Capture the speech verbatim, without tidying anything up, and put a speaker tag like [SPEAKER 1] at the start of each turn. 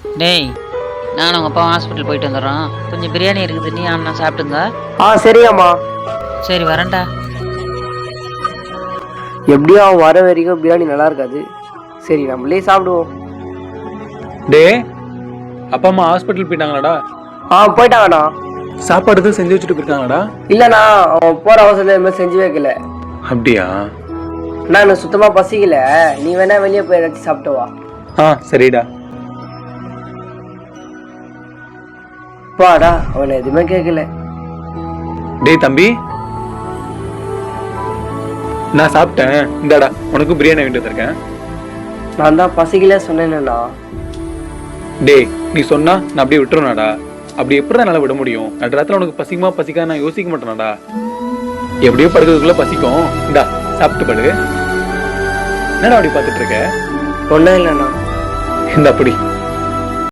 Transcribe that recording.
[SPEAKER 1] டேய், நானும் உங்கள் அப்பா ஹாஸ்பிட்டல் போயிட்டு வந்துடுறோம். கொஞ்சம் பிரியாணி இருக்குது, நீ அண்ணா சாப்பிட்டுங்க.
[SPEAKER 2] ஆ சரியாம்மா.
[SPEAKER 1] சரி வரேன்டா.
[SPEAKER 2] எப்படியும் அவன் வர வரைக்கும் பிரியாணி நல்லா இருக்காது. சரி நம்மளே சாப்பிடுவோம்.
[SPEAKER 3] டே, அப்பா அம்மா ஹாஸ்பிட்டல் போயிட்டாங்களாடா?
[SPEAKER 2] ஆ போயிட்டாங்கண்ணா.
[SPEAKER 3] சாப்பாடு எதுவும் செஞ்சு வச்சுட்டு போயிருக்காங்களாடா?
[SPEAKER 2] இல்லைண்ணா, அவன் போகிற அவசரத்தில் எதுவுமே செஞ்சு வைக்கல.
[SPEAKER 3] அப்படியா?
[SPEAKER 2] அண்ணா எனக்கு சுத்தமாக பசிக்கல, நீ வேணா வெளியே போய் ஏதாச்சும் சாப்பிட்டு வா.
[SPEAKER 3] ஆ சரிடா.
[SPEAKER 2] பாடா, அவனை எதுவுமே கேட்கல.
[SPEAKER 3] டேய் தம்பி, நான் சாப்பிட்டேன், இந்தாடா உனக்கு பிரியாணி வாங்கிட்டு வந்திருக்கேன்.
[SPEAKER 2] நான் தான் பசிக்கல சொன்னேன்னா.
[SPEAKER 3] டேய், நீ சொன்னா நான் அப்படியே விட்டுருனாடா? அப்படி எப்படி என்னால் விட முடியும்? நடுராத்திரி உனக்கு பசிக்குமா பசிக்காத நான் யோசிக்க மாட்டேனாடா. எப்படியோ படுக்கிறதுக்குள்ள பசிக்கும், இந்தா சாப்பிட்டு படு. என்னடா அப்படி பார்த்துட்டு இருக்க?
[SPEAKER 2] ஒன்றும் இல்லைண்ணா.
[SPEAKER 3] இந்த அப்படி